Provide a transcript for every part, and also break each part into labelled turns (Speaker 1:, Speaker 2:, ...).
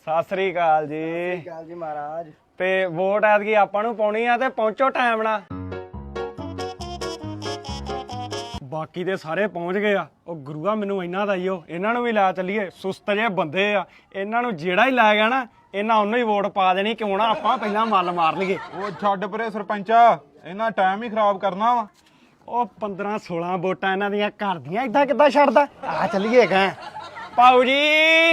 Speaker 1: ਸਤਿ ਸ੍ਰੀ ਅਕਾਲ ਜੀ।
Speaker 2: ਸਤਿ ਸ੍ਰੀ ਅਕਾਲ ਜੀ ਮਹਾਰਾਜ।
Speaker 1: ਤੇ ਵੋਟ ਐਤਕੀ ਆਪਾਂ ਨੂੰ ਪਾਉਣੀ ਆ ਤੇ ਪਹੁੰਚੋ ਟਾਈਮ ਨਾਲ। ਬਾਕੀ ਦੇ ਸਾਰੇ ਪਹੁੰਚ ਗਏ ਆ। ਉਹ ਗੁਰੂਆ ਮੈਨੂੰ ਇਹਨਾਂ ਦਾ ਹੀ ਇਹਨਾਂ ਨੂੰ ਵੀ ਲੈ ਚੱਲੀਏ। ਸੁਸਤ ਜਿਹੇ ਬੰਦੇ ਆ, ਇਹਨਾਂ ਨੂੰ ਜਿਹੜਾ ਹੀ ਲੈ ਗਿਆ ਨਾ ਇਹਨਾਂ ਉਹਨੂੰ ਹੀ ਵੋਟ ਪਾ ਦੇਣੀ। ਕਿਉਂ ਨਾ ਆਪਾਂ ਪਹਿਲਾਂ ਮੱਲ ਮਾਰ ਲਈਏ।
Speaker 3: ਉਹ ਛੱਡ ਪਰੇ ਸਰਪੰਚਾ, ਇਹਨਾਂ ਟਾਈਮ ਹੀ ਖਰਾਬ ਕਰਨਾ ਵਾ।
Speaker 1: ਉਹ 15-16 ਵੋਟਾਂ ਇਹਨਾਂ ਦੀਆਂ ਘਰ ਦੀਆਂ ਏਦਾਂ ਕਿੱਦਾਂ ਛੱਡਦਾ। ਆ ਚੱਲੀਏ ਗਾ ਪਾਉ ਜੀ।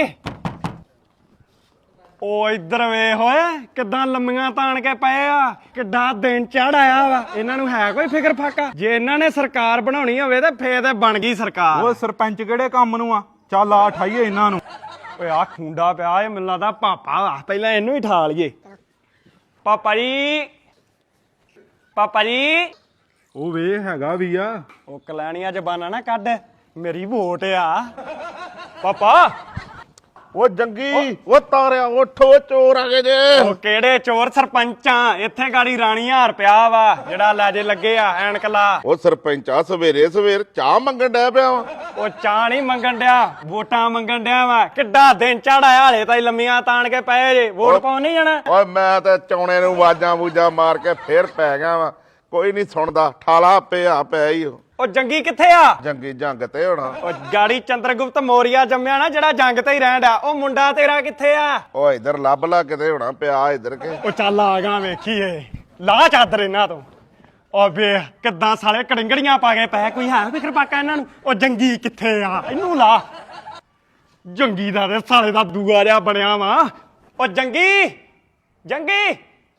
Speaker 1: ਉਹ ਇੱਧਰ ਵੇਖ ਓਏ ਕਿੱਦਾਂ ਲੰਮੀਆਂ ਤਾਣ ਕੇ ਪਏ ਆ। ਕਿੱਡਾ ਦਿਨ ਚੜ ਆਇਆ ਵਾ। ਇਹਨਾਂ ਨੂੰ ਹੈ ਕੋਈ ਫਿਕਰ ਫਾਕਾ? ਜੇ ਇਹਨਾਂ ਨੇ ਸਰਕਾਰ ਬਣਾਉਣੀ ਹੋਵੇ ਤੇ ਫੇਰ ਤੇ ਬਣ ਗਈ ਸਰਕਾਰ।
Speaker 3: ਉਹ ਸਰਪੰਚ ਕਿਹੜੇ ਕੰਮ ਨੂੰ ਆ? ਚੱਲ ਆ ਠਾਈਏ ਇਹਨਾਂ ਨੂੰ।
Speaker 1: ਓਏ ਆ ਖੁੰਡਾ ਪਿਆ ਇਹ ਮੈਨੂੰ ਲੱਗਦਾ ਪਾਪਾ ਵਾ। ਪਹਿਲਾਂ ਇਹਨੂੰ ਹੀ ਠਾ ਲਈਏ। ਪਾਪਾ ਜੀ, ਪਾਪਾ ਜੀ।
Speaker 3: ਉਹ ਵੇ ਹੈਗਾ ਵੀ ਆ।
Speaker 1: ਉਹ ਕਲੈਣੀਆਂ ਜ਼ਬਾਨਾਂ ਨਾ ਕੱਢ, ਮੇਰੀ ਵੋਟ ਆ ਪਾਪਾ।
Speaker 4: ਉਹ ਜੰਗੀ ਉਹ ਤਾਰਿਆ ਉੱਠੋ, ਚੋਰ ਆ ਗਏ ਜੇ।
Speaker 1: ਉਹ ਕਿਹੜੇ ਚੋਰ? ਸਰਪੰਚਾਂ ਇੱਥੇ ਗਾੜੀ ਰਾਣੀ ਹਾਰ ਪਿਆ ਵਾ ਜਿਹੜਾ ਲੈਜੇ ਲੱਗੇ ਆ ਐਨਕ ਲਾ।
Speaker 4: ਉਹ ਸਰਪੰਚਾ ਸਵੇਰੇ ਸਵੇਰ ਚਾਹ ਮੰਗਣ ਡਿਆ ਪਿਆ ਵਾ।
Speaker 1: ਉਹ ਚਾਹ ਨਹੀਂ ਮੰਗਣ ਡਿਆ, ਵੋਟਾਂ ਮੰਗਣ ਡਿਆ ਵਾ। ਕਿੱਡਾ ਦਿਨ ਚੜਾਇਆ ਹਲੇ ਤਾਈ ਲੰਮੀਆਂ ਤਾਣ ਕੇ ਪਏ ਜੇ। ਵੋਟ ਪਾਉਣ ਨਹੀਂ ਜਾਣਾ?
Speaker 4: ਓਏ ਮੈਂ ਤਾਂ ਚੌਣੇ ਨੂੰ ਆਵਾਜ਼ਾਂ ਬੂਜਾਂ ਮਾਰ ਕੇ ਫੇਰ ਪੈ ਗਿਆ ਵਾ। ਕੋਈ ਨਹੀਂ ਸੁਣਦਾ, ਠਾਲਾ ਪਿਆ ਪਿਆ ਹੀ।
Speaker 1: ਉਹ ਜੰਗੀ ਕਿੱਥੇ ਆ?
Speaker 4: ਜੰਗੀ ਜੰਗ ਤੇ ਹੋਣਾ।
Speaker 1: ਉਹ ਗਾੜੀ ਚੰਦਰਗੁਪਤ ਮੌਰੀਆ ਜੰਮਿਆ ਨਾ ਜਿਹੜਾ ਜੰਗ ਤੇ ਹੀ ਰਹਿਣ ਡਿਆ। ਉਹ ਮੁੰਡਾ ਤੇਰਾ ਕਿੱਥੇ ਆ?
Speaker 4: ਉਹ ਇਧਰ ਲੱਭ ਲਾ ਕਿਤੇ ਹੋਣਾ ਪਿਆ ਇਧਰ ਕੇ।
Speaker 1: ਉਹ ਚੱਲ ਆ ਗਾ ਵੇਖੀਏ। ਲਾ ਚਾਦਰ ਇਹਨਾਂ ਤੋਂ। ਉਹ ਵੇਖ ਕਿੱਦਾਂ ਸਾਲੇ ਕੜਿੰਗੜੀਆਂ ਪਾ ਕੇ ਪਏ। ਕੋਈ ਹੈ ਫਿਕਰ ਪਾਕਾ ਇਹਨਾਂ ਨੂੰ? ਉਹ ਜੰਗੀ ਕਿੱਥੇ ਆ? ਇਹਨੂੰ ਲਾ। ਜੰਗੀ ਦਾ ਤੇ ਸਾਲੇ ਦਾ ਦੂਆ ਜਿਹਾ ਬਣਿਆ ਵਾ। ਉਹ ਜੰਗੀ, ਜੰਗੀ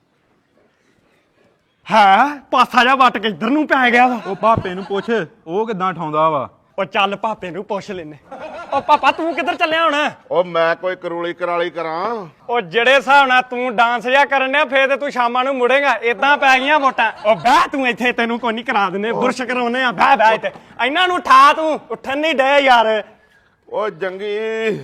Speaker 1: ਹੈ ਪਾਸਾ ਜਿਹਾ ਵੱਟ ਕੇ ਇੱਧਰ ਨੂੰ ਪੈ ਗਿਆ ਵਾ।
Speaker 3: ਉਹ ਭਾਪੇ ਨੂੰ ਪੁੱਛ ਉਹ ਕਿੱਦਾਂ ਠਾਉਂਦਾ ਵਾ।
Speaker 1: ਉਹ ਚੱਲ ਭਾਪੇ ਨੂੰ ਪੁੱਛ ਲੈਨੇ। ਉਹ ਪਾਪਾ ਤੂੰ ਕਿੱਧਰ ਚੱਲਿਆ ਹੁਣ?
Speaker 4: ਉਹ ਮੈਂ ਕੋਈ ਕਰੂਲੀ ਕਰਾਲੀ ਕਰਾਂ।
Speaker 1: ਉਹ ਜਿਹੜੇ ਹਿਸਾਬ ਨਾਲ ਤੂੰ ਡਾਂਸ ਜਿਹਾ ਕਰਨ ਡਿਆ ਫੇਰ ਤੇ ਤੂੰ ਸ਼ਾਮਾਂ ਨੂੰ ਮੁੜੇਗਾ। ਏਦਾਂ ਪੈ ਗਈਆਂ ਵੋਟਾਂ। ਉਹ ਬਹਿ ਤੂੰ ਇੱਥੇ, ਤੈਨੂੰ ਕੋਈ ਨਹੀਂ ਕਰਾ ਦਿੰਦੇ। ਬੁਰਸ਼ ਕਰਾਉਨੇ ਆ। ਬਹਿ ਬਹਿ ਇੱਥੇ। ਇਹਨਾਂ ਨੂੰ ਠਾ ਤੂੰ। ਉੱਠਣ ਨਹੀਂ ਡੇ ਯਾਰ।
Speaker 4: ਉਹ ਜੰਗੀ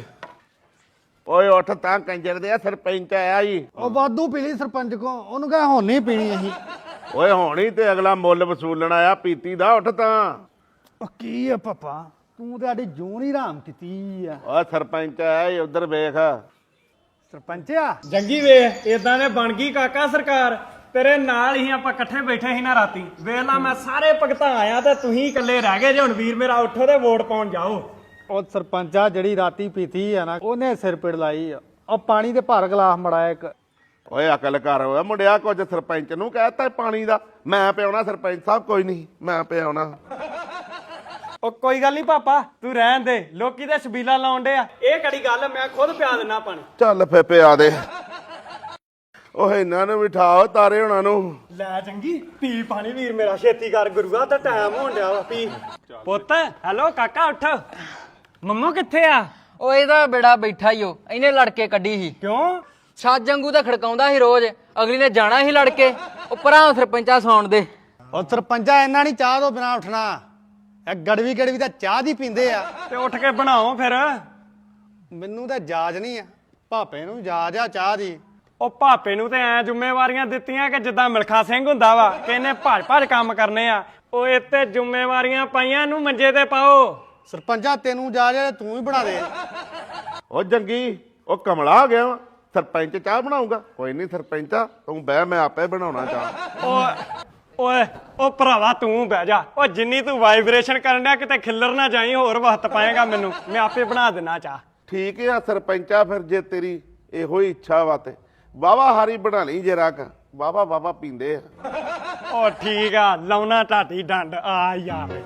Speaker 4: ਓਏ ਉੱਠ ਤਾਂ ਕੰਜਰ ਦੇ। ਸਰਪੰਚ ਆਇਆ ਜੀ।
Speaker 2: ਉਹ ਵਾਧੂ ਪੀ ਲਈ ਸਰਪੰਚ ਕੋ, ਉਹਨੂੰ ਕਹੇ ਹੁਣ ਨਹੀਂ ਪੀਣੀ ਅਸੀਂ।
Speaker 4: ਓਏ ਹੋਣੀ ਤੇ ਅਗਲਾ ਮੁੱਲ ਵਸੂਲਣ ਆਇਆ ਪੀਤੀ ਦਾ। ਉੱਠ ਤਾਂ।
Speaker 2: ਉਹ ਕੀ ਆ ਪਾਪਾ, ਤੂੰ ਤੇ ਸਾਡੀ ਜੂਨ ਹੀ ਹਰਾਮ ਕੀਤੀ ਆ।
Speaker 4: ਓ ਸਰਪੰਚ ਆਇਆ ਉਧਰ ਵੇਖ।
Speaker 2: ਸਰਪੰਚ ਆ
Speaker 1: ਜੰਗੀ ਵੇਖ ਏਦਾਂ ਨੇ ਬਣ ਗਈ ਕਾਕਾ ਸਰਕਾਰ। ਤੇਰੇ ਨਾਲ ਹੀ ਆਪਾਂ ਇਕੱਠੇ ਬੈਠੇ ਸੀ ਨਾ ਰਾਤੀ। ਵੇਲਾ ਮੈਂ ਸਾਰੇ ਭਗਤਾਂ ਆਇਆ ਤੇ ਤੁਸੀਂ ਇਕੱਲੇ ਰਹਿ ਗਏ ਜੇ। ਹੁਣ ਵੀਰ ਮੇਰਾ ਉੱਠੋ ਤੇ ਵੋਟ ਪਾਉਣ ਜਾਓ।
Speaker 2: ਉਹ ਸਰਪੰਚਾ ਜਿਹੜੀ ਰਾਤੀ ਪੀਤੀ ਆ ਨਾ ਉਹਨੇ ਸਿਰ ਪਿੜ ਲਾਈ ਆ। ਉਹ ਪਾਣੀ ਦੇ ਭਰ ਗਲਾਸ ਮੜਾਇਆ ਇੱਕ।
Speaker 4: ਓਏ ਅਕਲ ਕਰ ਓਏ ਮੁੰਡਿਆ, ਕੁਝ ਸਰਪੰਚ ਨੂੰ ਕਹਿਤਾ ਪਾਣੀ ਦਾ। ਮੈਂ ਪਿਆਉਣਾ ਸਰਪੰਚ ਸਾਹਿਬ। ਕੋਈ ਨਹੀਂ ਮੈਂ ਪਿਆਉਣਾ।
Speaker 1: ਉਹ ਕੋਈ ਗੱਲ ਨਹੀਂ ਪਾਪਾ, ਤੂੰ ਰਹਿਣ ਦੇ। ਲੋਕੀ ਤੇ ਛਬੀਲਾ ਲਾਉਣ ਡੇ ਆ। ਇਹ ਕਿਹੜੀ ਗੱਲ, ਮੈਂ ਖੁਦ ਪਿਆ ਦਿੰਨਾ ਪਾਣੀ।
Speaker 4: ਚੱਲ ਫੇ ਪਿਆ ਦੇ। ਓਏ ਇਹਨਾਂ ਨੂੰ ਬਿਠਾਓ ਤਾਰੇ ਹੋਣਾ ਨੂੰ।
Speaker 1: ਲੈ ਚੰਗੀ ਪੀ ਪਾਣੀ ਵੀਰ ਮੇਰਾ, ਛੇਤੀ ਕਰ ਗੁਰੂਆ ਤਾਂ ਟਾਈਮ ਹੋਣ ਡਿਆ ਵਾ। ਪੀ ਪੁੱਤ। ਹੈਲੋ ਕਾਕਾ ਉੱਠ। ਮੰਮੂ ਕਿੱਥੇ ਆ?
Speaker 5: ਉਹ ਇਹਦਾ ਬੇੜਾ ਬੈਠਾ ਹੀ ਉਹ। ਇਹਨੇ ਲੜ ਕੇ ਕੱਢੀ ਸੀ।
Speaker 1: ਕਿਉਂ?
Speaker 5: ਛੱਜ ਵਾਂਗੂ ਤਾਂ ਖੜਕਾਉਂਦਾ ਸੀ ਰੋਜ਼। ਅਗਲੀ ਨੇ ਜਾਣਾ ਸੀ ਲੜ ਕੇ। ਉਹ ਭਰਾ ਸਰਪੰਚਾ ਸੌਣ ਦੇ।
Speaker 2: ਉਹ ਸਰਪੰਚਾ ਇਹਨਾਂ ਨਹੀਂ ਚਾਹ ਤੋਂ ਬਿਨਾ ਉੱਠਣਾ। ਇਹ ਗੜਵੀ ਤਾਂ ਚਾਹ ਦੀ ਪੀਂਦੇ ਆ।
Speaker 1: ਤੇ ਉੱਠ ਕੇ ਬਣਾਓ ਫਿਰ।
Speaker 2: ਮੈਨੂੰ ਤਾਂ ਜਾਜ ਨਹੀਂ ਆ, ਭਾਪੇ ਨੂੰ ਜਾਜ ਆ ਚਾਹ ਦੀ।
Speaker 1: ਉਹ ਭਾਪੇ ਨੂੰ ਤੇ ਐ ਜ਼ਿੰਮੇਵਾਰੀਆਂ ਦਿੱਤੀਆਂ ਕਿ ਜਿੱਦਾਂ ਮਿਲਖਾ ਸਿੰਘ ਹੁੰਦਾ ਵਾ ਕਿ ਇਹਨੇ ਭੱਜ ਭੱਜ ਕੰਮ ਕਰਨੇ ਆ। ਉਹ ਇੱਥੇ ਜ਼ਿੰਮੇਵਾਰੀਆਂ ਪਾਈਆਂ ਨੂੰ ਮੰਜੇ ਤੇ ਪਾਓ।
Speaker 2: ਸਰਪੰਚਾ ਤੈਨੂੰ ਜਾਜ ਆ ਤੂੰ ਹੀ ਬਣਾ ਦੇ।
Speaker 4: ਓ ਜੰਗੀ ਉਹ ਕਮਲਾ ਆ ਗਿਆ ਵਾ। ਸਰਪੰਚ ਚਾਹ ਬਣਾਊਗਾ। ਕੋਈ ਨਹੀਂ ਸਰਪੰਚਾ ਤੂੰ ਬਹਿ, ਮੈਂ ਆਪੇ ਬਣਾਉਣਾ ਚਾਹ।
Speaker 1: ਓਏ ਉਹ ਭਰਾਵਾ ਤੂੰ ਬਹਿ ਜਾ। ਉਹ ਜਿੰਨੀ ਤੂੰ ਵਾਈਬ੍ਰੇਸ਼ਨ ਕਰਨ ਡਿਆ ਕਿਤੇ ਖਿੱਲਰ ਨਾ ਜਾਈ। ਹੋਰ ਵਕਤ ਪਾਏਗਾ ਮੈਨੂੰ, ਮੈਂ ਆਪੇ ਬਣਾ ਦੇਣਾ ਚਾਹ।
Speaker 4: ਠੀਕ ਆ ਸਰਪੰਚਾ, ਫਿਰ ਜੇ ਤੇਰੀ ਇਹੋ ਹੀ ਇੱਛਾ ਵਾ ਤੇ ਵਾਵਾ ਹਾਰੀ ਬਣਾ ਲਈ ਜੇ ਰੱਖ। ਵਾਵਾ ਵਾਵਾ ਪੀਂਦੇ ਆ।
Speaker 1: ਉਹ ਠੀਕ ਆ, ਲਾਉਣਾ ਢਾਟੀ ਡੰਡ ਆ ਯਾਰ।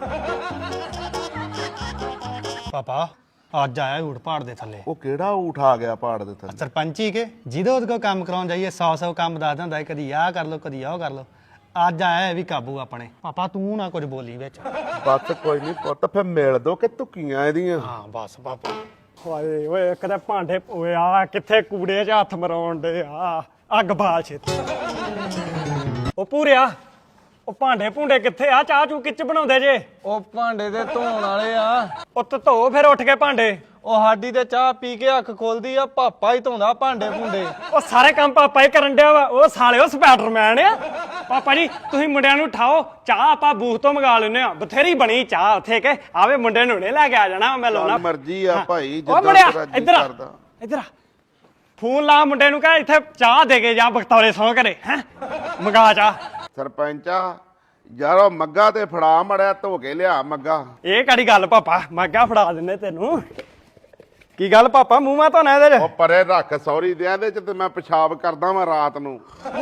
Speaker 2: ਪਾਪਾ ਅੱਜ ਆਇਆ ਊਠ ਪਹਾੜ ਦੇ ਥੱਲੇ।
Speaker 4: ਉਹ ਕਿਹੜਾ ਊਠ ਆ ਗਿਆ ਪਹਾੜ ਦੇ ਥੱਲੇ?
Speaker 2: ਸਰਪੰਚ ਹੀ ਕੇ ਜਿਹਦੇ ਉਹਦੇ ਕੋਲ ਕੰਮ ਕਰਾਉਣ ਜਾਈਏ 100 ਕੰਮ ਦੱਸ ਦਿੰਦਾ ਹੈ। ਕਦੀ ਆਹ ਕਰ ਲੋ, ਕਦੀ ਆਹ ਕਰ ਲੋ। ਅੱਜ ਆਇਆ ਇਹ ਵੀ ਕਾਬੂ ਆਪਣੇ। ਪਾਪਾ ਤੂੰ ਨਾ ਕੁਝ ਬੋਲੀ ਵਿੱਚ।
Speaker 4: ਬਸ ਕੋਈ ਨਹੀਂ ਪੁੱਤ, ਫਿਰ ਮਿਲ ਦੋ ਕਿ ਧੁੱਕੀਆਂ ਇਹਦੀਆਂ।
Speaker 2: ਹਾਂ ਬਸ ਪਾਪਾ।
Speaker 1: ਓਏ ਓਏ ਇੱਕ ਤਾਂ ਭਾਂਡੇ ਓਏ ਆ ਕਿੱਥੇ ਕੂੜੇ 'ਚ ਹੱਥ ਮਰਾਉਣ ਦੇ ਆ। ਅੱਗ ਬਾਲ ਛੇਤੀ। ਉਹ ਪੂਰਿਆ ਉਹ ਭਾਂਡੇ ਭੁੰਡੇ ਕਿੱਥੇ ਆ? ਚਾਹ ਚੂ ਕਿੱਚ ਬਣਾਉਂਦੇ ਜੇ?
Speaker 6: ਉਹ ਭਾਂਡੇ ਤੇ ਧੋਣ ਵਾਲੇ ਆ।
Speaker 1: ਉਹ ਧੋ ਫਿਰ ਉੱਠ ਕੇ ਭਾਂਡੇ।
Speaker 6: ਉਹ ਸਾਡੀ ਤੇ ਚਾਹ ਪੀ ਕੇ ਅੱਖ ਖੋਲਦੀ ਆ। ਪਾਪਾ ਹੀ ਧੋਂਦਾ ਭਾਂਡੇ ਭੁੰਡੇ।
Speaker 1: ਉਹ ਸਾਰੇ ਕੰਮ ਪਾਪਾ ਹੀ ਕਰਨ ਡਿਆ ਵਾ। ਉਹ ਸਾਲਿਓ ਸਪਾਈਡਰਮੈਨ ਆ। ਪਾਪਾ ਜੀ ਤੁਸੀਂ ਮੁੰਡਿਆਂ ਨੂੰ ਉਠਾਓ। ਚਾਹ ਆਪਾਂ ਬੂਥ ਤੋਂ ਮੰਗਾ ਲੈਨੇ ਆ। ਬਥੇਰੀ ਬਣੀ ਚਾਹ ਉੱਥੇ ਕੇ। ਆਵੇ ਮੁੰਡੇ ਨੂੰ ਲੈ ਕੇ ਆ ਜਾਣਾ। ਮੈਂ ਲਾਉਣਾ
Speaker 4: ਮਰਜ਼ੀ ਆ ਭਾਈ,
Speaker 1: ਉਹ
Speaker 4: ਜਿੱਦਾਂ
Speaker 1: ਮੁੰਡਿਆ
Speaker 4: ਤੇਰਾ ਜੀ
Speaker 1: ਇੱਧਰ ਆ,
Speaker 4: ਕਰਦਾ।
Speaker 1: ਇੱਧਰ ਆ। ਫੋਨ ਲਾ ਮੁੰਡੇ ਨੂੰ ਕਹ ਇੱਥੇ ਚਾਹ ਦੇ ਕੇ ਜਾ ਬਖਤੌਰੇ ਸੌ ਘਰੇ ਹੈ ਮੰਗਾ ਚਾਹ।
Speaker 4: ਸਰਪੰਚਾ ਯਾਰ ਉਹ ਮੱਗਾ ਤੇ ਫੜਾ ਮੜਿਆ ਧੋ ਕੇ ਲਿਆ ਮੱਗਾ।
Speaker 1: ਇਹ ਕਿਹੜੀ ਗੱਲ ਪਾਪਾ ਮੱਗਾ ਫੜਾ ਦਿੰਦੇ ਤੈਨੂੰ। ਕੀ ਗੱਲ ਪਾਪਾ ਮੂੰਹ ਮਾ ਧੋਣਾ ਇਹਦੇ
Speaker 4: ਉਹ ਪਰੇ ਰੱਖ ਸੌਰੀ ਦੇ ਇਹਦੇ ਚ ਤੇ ਮੈਂ ਪਿਸ਼ਾਬ ਕਰਦਾ ਵਾਂ ਰਾਤ ਨੂੰ।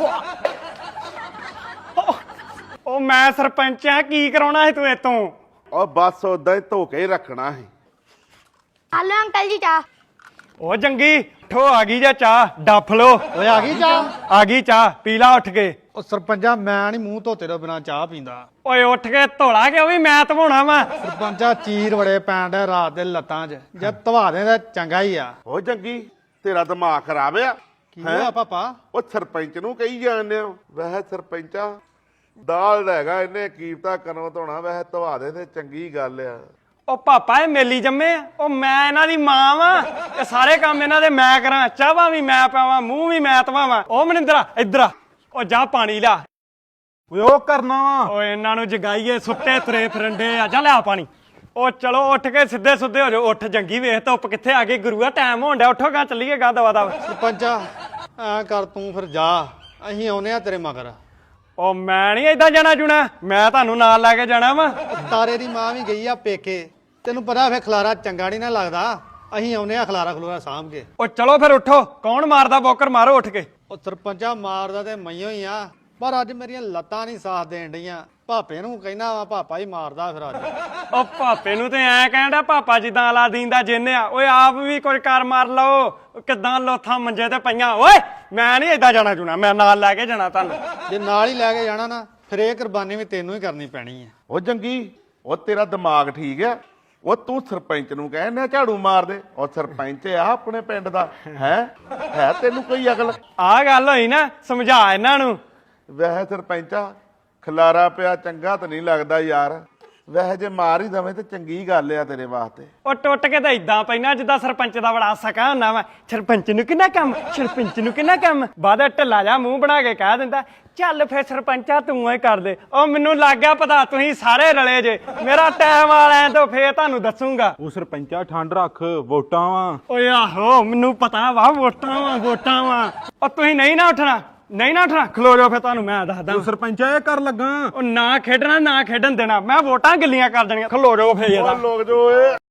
Speaker 1: ਉਹ ਮੈਂ ਸਰਪੰਚ ਆ ਕੀ ਕਰਾਉਣਾ ਸੀ ਤੂੰ ਇਤੋਂ।
Speaker 4: ਉਹ ਬਸ ਉਦਾਂ ਹੀ ਧੋ ਕੇ ਹੀ ਰੱਖਣਾ ਸੀ।
Speaker 7: ਹਲੋ ਅੰਕਲ ਜੀ ਚਾਹ।
Speaker 1: ਉਹ ਜੰਗੀ ਠੋ ਆ ਗਈ ਜਾਂ ਚਾਹ ਡੱਫ ਲੋ।
Speaker 2: ਓਏ ਆ ਗਈ ਚਾਹ।
Speaker 1: ਆ ਗਈ ਚਾਹ ਪੀ ਲਾ ਉੱਠ ਕੇ।
Speaker 2: ਉਹ ਸਰਪੰਚਾ ਮੈਂ ਨਹੀਂ ਮੂੰਹ ਧੋਤੇ ਤੋਂ ਬਿਨਾ ਚਾਹ ਪੀਂਦਾ।
Speaker 1: ਓਏ ਉੱਠ ਕੇ ਧੋਲਾ ਕਿ ਉਹ ਵੀ ਮੈਂ ਧਵਾਉਣਾ ਵਾ।
Speaker 2: ਸਰਪੰਚਾ ਚੀਰ ਬੜੇ ਪੈਣ ਡਿਆ ਰਾਤ ਦੇ ਲੱਤਾਂ 'ਚ ਜੇ ਧਵਾ ਦੇ ਤਾਂ ਚੰਗਾ ਹੀ ਆ।
Speaker 4: ਉਹ ਜੰਗੀ ਤੇਰਾ ਦਿਮਾਗ ਖਰਾਬ ਆ।
Speaker 2: ਕੀ ਹੋਇਆ ਪਾਪਾ?
Speaker 4: ਉਹ ਸਰਪੰਚ ਨੂੰ ਕਹੀ ਜਾਂਦੇ ਹੋ ਵੈਸੇ ਸਰਪੰਚਾ ਦਾਲ ਹੈਗਾ ਇਹਨੇ ਕੀਮਤਾ ਕਰਨੋਂ ਧੋਣਾ ਵੈਸੇ ਧਵਾ ਦੇ ਤੇ ਚੰਗੀ ਗੱਲ ਆ।
Speaker 1: ਉਹ ਪਾਪਾ ਇਹ ਮੇਲੀ ਜੰਮੇ ਆ ਉਹ ਮੈਂ ਇਹਨਾਂ ਦੀ ਮਾਂ ਵਾਂ ਇਹ ਸਾਰੇ ਕੰਮ ਇਹਨਾਂ ਦੇ ਮੈਂ ਕਰਾਂ ਚਾਹਾਂ ਵੀ ਮੈਂ ਪਾਵਾਂ ਮੂੰਹ ਵੀ ਮੈਂ ਧਵਾਵਾਂ। ਉਹ ਮਨਿੰਦਰਾ ਇੱਧਰ ਆ ਉਹ ਜਾ ਪਾਣੀ ਲਿਆ।
Speaker 3: ਓਏ ਉਹ ਕਰਨਾ ਵਾ।
Speaker 1: ਓਏ ਇਹਨਾਂ ਨੂੰ ਜਗਾਈਏ ਸੁੱਤੇ ਤੁਰੇ ਫਿਰੰਡੇ ਆ ਜਾ ਲਿਆ ਪਾਣੀ। ਉਹ ਚਲੋ ਉੱਠ ਕੇ ਸਿੱਧੇ ਸੁੱਧੇ ਹੋ ਜਾਓ। ਉੱਠ ਜੰਗੀ ਵੇਖ ਧੁੱਪ ਕਿੱਥੇ ਆ ਗਈ ਗੁਰੂਆ ਟਾਈਮ ਹੋਣ ਡਿਆ ਉੱਠੋ ਗਾ ਚੱਲੀਏ ਗਾ ਦਵਾ ਦਵਾ।
Speaker 2: ਸਰਪੰਚਾ ਐ ਕਰ ਤੂੰ ਫਿਰ ਜਾ ਅਸੀਂ ਆਉਨੇ ਆ ਤੇਰੇ ਮਗਰ।
Speaker 1: ਉਹ ਮੈਂ ਨਹੀਂ ਏਦਾਂ ਜਾਣਾ ਜੁਣਾ ਮੈਂ ਤੁਹਾਨੂੰ ਨਾਲ ਲੈ ਕੇ ਜਾਣਾ ਵਾ।
Speaker 2: ਤਾਰੇ ਦੀ ਮਾਂ ਵੀ ਗਈ ਆ ਪੇਕੇ ਤੈਨੂੰ ਪਤਾ ਫੇ ਖਲਾਰਾ ਚੰਗਾ ਨਹੀਂ ਨਾ ਲੱਗਦਾ। ਅਸੀਂ ਆਉਨੇ ਆ ਖਲਾਰਾ ਖਲੂਰਾ ਸਾਂਭ ਕੇ।
Speaker 1: ਉਹ ਚਲੋ ਫਿਰ ਉੱਠੋ ਕੌਣ ਮਾਰਦਾ ਬੋਕਰ ਮਾਰੋ ਉੱਠ ਕੇ।
Speaker 2: ਉਹ ਸਰਪੰਚਾ ਮਾਰਦਾ ਤੇ ਮਈਓ ਹੀ ਆ ਪਰ ਅੱਜ ਮੇਰੀਆਂ ਲੱਤਾਂ ਨਹੀਂ ਸਾਥ ਦੇਣ ਡਈਆਂ। ਭਾਪੇ ਨੂੰ ਕਹਿਣਾ ਵਾ ਪਾਪਾ ਹੀ ਮਾਰਦਾ ਫਿਰ ਅੱਜ।
Speaker 1: ਉਹ ਭਾਪੇ ਨੂੰ ਤੇ ਐ ਕਹਿੰਦਾ ਪਾਪਾ ਜਿੱਦਾਂ ਅਲਾਦੀਨ ਦਾ ਜਿੰਨ ਆ। ਓਏ ਆਪ ਵੀ ਕੁਝ ਕਰ ਮਾਰ ਲਓ ਕਿੱਦਾਂ ਲੋਥਾਂ ਮੰਜੇ ਤੇ ਪਈਆਂ। ਓਏ ਮੈਂ ਨਹੀਂ ਏਦਾਂ ਜਾਣਾ ਜੁਣਾ ਮੈਂ ਨਾਲ ਲੈ ਕੇ ਜਾਣਾ ਤੁਹਾਨੂੰ।
Speaker 2: ਜੇ ਨਾਲ ਹੀ ਲੈ ਕੇ ਜਾਣਾ ਨਾ ਫਿਰ ਇਹ ਕੁਰਬਾਨੀ ਵੀ ਤੈਨੂੰ ਹੀ ਕਰਨੀ ਪੈਣੀ ਹੈ।
Speaker 4: ਉਹ ਜੰਗੀ ਉਹ ਤੇਰਾ ਦਿਮਾਗ ਠੀਕ ਆ। ਉਹ ਤੂੰ ਸਰਪੰਚ ਨੂੰ ਕਹਿੰਦਾ ਝਾੜੂ ਮਾਰ ਦੇ। ਉਹ ਸਰਪੰਚ ਆ ਆਪਣੇ ਪਿੰਡ ਦਾ ਹੈ ਤੈਨੂੰ ਕੋਈ ਅਕਲ?
Speaker 1: ਆਹ ਗੱਲ ਹੋਈ ਨਾ ਸਮਝਾ ਇਹਨਾਂ ਨੂੰ।
Speaker 4: ਵੈਸੇ ਸਰਪੰਚਾ ਖਲਾਰਾ ਪਿਆ ਚੰਗਾ ਤਾਂ ਨਹੀਂ ਲੱਗਦਾ ਯਾਰ। ਵੈਸੇ ਜੇ ਮਾਰ ਹੀ ਦਵੇਂ ਤੇ ਚੰਗੀ ਗੱਲ ਆ ਤੇਰੇ ਵਾਸਤੇ।
Speaker 1: ਉਹ ਟੁੱਟ ਕੇ ਤਾਂ ਇਦਾਂ ਪੈਣਾ ਜਿੱਦਾਂ ਸਰਪੰਚ ਦਾ ਬੜਾ ਸਕਾ ਹੁੰਦਾ ਵਾ। ਸਰਪੰਚ ਨੂੰ ਕਿੰਨਾ ਕੰਮ ਸਰਪੰਚ ਨੂੰ ਕਿੰਨਾ ਕੰਮ ਬਾਅਦ ਢਿੱਲਾ ਜਾ ਮੂੰਹ ਬਣਾ ਕੇ ਕਹਿ ਦਿੰਦਾ ਚੱਲ ਫੇਰ ਸਰਪੰਚਾ ਤੂੰ ਹੀ ਕਰ ਦੇ। ਉਹ ਮੈਨੂੰ ਲੱਗ ਗਿਆ ਪਤਾ ਤੁਸੀਂ ਸਾਰੇ ਰਲੇ ਜੇ ਮੇਰਾ ਟਾਈਮ ਆ ਲੈਣ ਤੋਂ ਫੇਰ ਤੁਹਾਨੂੰ ਦੱਸੂਗਾ।
Speaker 3: ਉਹ ਸਰਪੰਚਾ ਠੰਡ ਰੱਖ ਵੋਟਾਂ ਵਾ।
Speaker 1: ਓਏ ਆਹੋ ਮੈਨੂੰ ਪਤਾ ਵਾ ਵੋਟਾਂ ਵਾ। ਉਹ ਤੁਸੀਂ ਨਹੀਂ ਨਾ ਉੱਠਣਾ ਖਲੋ ਜਾਓ ਫੇਰ ਤੁਹਾਨੂੰ ਮੈਂ ਦੱਸਦਾ।
Speaker 3: ਉਹ ਸਰਪੰਚਾ ਇਹ ਕਰ ਲੱਗਾ।
Speaker 1: ਉਹ ਨਾ ਖੇਡਣਾ ਨਾ ਖੇਡਣ ਦੇਣਾ ਮੈਂ ਵੋਟਾਂ ਗਿੱਲੀਆਂ ਕਰ ਦੇਣੀਆਂ ਖਲੋ ਜਾਓ ਫੇਰ
Speaker 4: ਉਹ ਲੋਕ ਜੋ ਏ